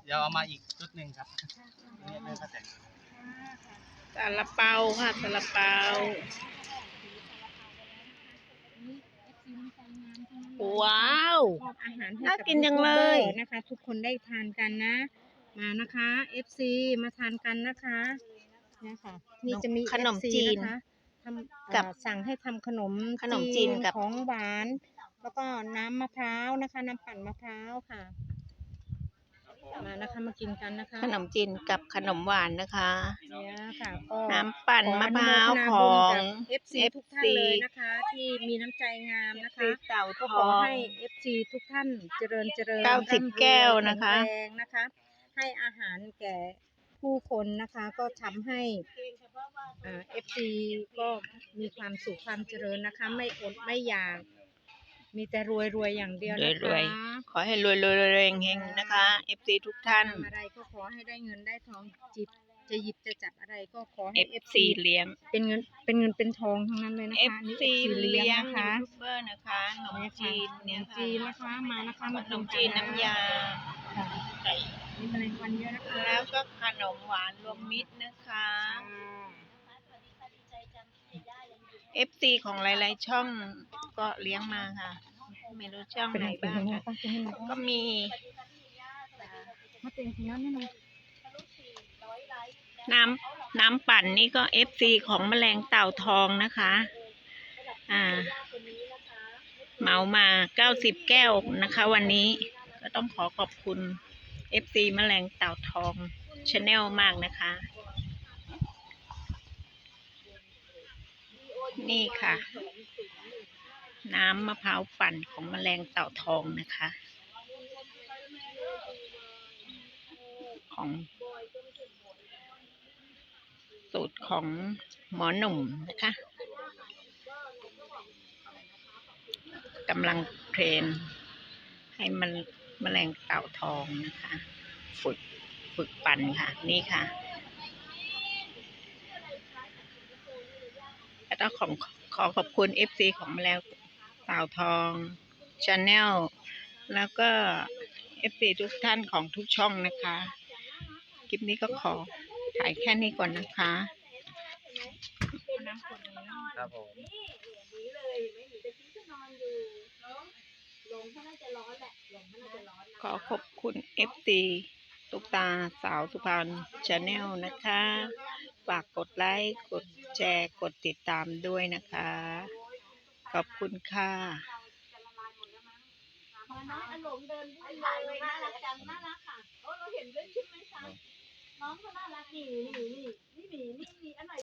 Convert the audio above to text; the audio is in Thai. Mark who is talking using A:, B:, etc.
A: เดี๋ยวเอามาอีกชุดหนึ่งครับนี่แม่ก็แต่ง
B: ซาลาเปาค่ะซาลาเปาว้าว
C: อาหารให้
B: น่า
C: กับ
B: กินจังเลย
C: นะคะ ทุกคนได้ทานกันนะมานะคะ FC มาทานกันนะคะเนี่ยค่ะนี่จะมี
B: ขนม
C: FC
B: จีน
C: นะคะทำ
B: กับ
C: สั่งให้ทำขนม
B: จีนกับ
C: ของหวาน แล้วก็น้ำมะพร้าวนะคะน้ำปั่นมะพร้าวค่ะมานะคะมากินกันนะคะ
B: ขนมจีนกับขนมหวานนะคะ
C: เนี่ยค่ะก็
B: น้ำปั่นมะพร้าว
C: ข
B: ข
C: อ
B: อ
C: อนุ
B: ง
C: โมทนาบุญกับ FC ทุกท่านเลยนะคะ ที่มีน้ำใจงามนะคะ
B: เต่าท
C: ก็ข
B: อ
C: อง ให้ FC ทุกท่านเจริญ
B: 90
C: ร่ำรวย
B: แก้วนะคะ
C: แข็งแรงนะคะ ให้อาหารแก่ผู้คนนะคะ ก็ทำให้FC ก็มีความสุขความเจริญนะคะ ไม่อดไม่อยากมีแต่รวยอย่างเดียวนะ
B: รวย
C: คะ
B: ขอให้รวยเฮงๆนะคะ FC ทุกท่าน
C: ทำอะไรก็ขอให้ได้เงินได้ทองจะหยิบจะจับอะไรก็ขอให้
B: FC เลี้ยง
C: เป็นเงินเป็นทองทั้งนั้นเลยนะคะนี่
B: FC เลี้ยง
C: นะคะ
B: ยูทูบเบอร์นะคะขนมจีน
C: ข
B: เนี่ย
C: นม
B: ค่ะ
C: จีนนะคะมานะคะ
B: ข
C: มาน
B: ม
C: กิ
B: จีน
C: กั
B: น้ำยา
C: ค่ะมีแมลงวันเยอะนะคะ
B: แล้วก็ขนมหวานรวมมิตรนะคะ FC ของหลายๆช่องก็เลี้ยงมาค่ะ ไม่รู้ช่องไหนบ้างค่ะ ก็มี
C: มาเต็มที่แล้วนี่นะ
B: น้ำปั่นนี่ก็ FC ของแมลงเต่าทองนะคะเหมามา90แก้วนะคะ วันนี้ก็ต้องขอบคุณ FC แมลงเต่าทอง Channel มากนะคะ นี่ค่ะ น้ำมะพร้าวปั่นของแมลงเต่าทองนะคะ ของสูตรของหมอหนุ่มนะคะกำลังเทรนให้มันแมลงเต่าทองนะคะ ฝึกปั่นค่ะ นี่ค่ะแล้วก็ขอขอบคุณ FC ของแมลงเต่าทอง Channel แล้วก็ FC ทุกท่านของทุกช่องนะคะ คลิปนี้ก็ขอถ่ายแค่นี้ก่อนนะคะ
A: ครับผม
B: ขอขอบคุณ FC ตุ๊กตาสาวสุพรรณ Channel นะคะ ฝากกดไลค์ กดแชร์ กดติดตามด้วยนะคะ ขอบคุณค่ะ
D: น้องอารมณ์เดินวุ่นเลยน่ารักจังน่ารักค่ะเราเห็นด้วยใช่ไหมคะน้องเขาน่ารักนี่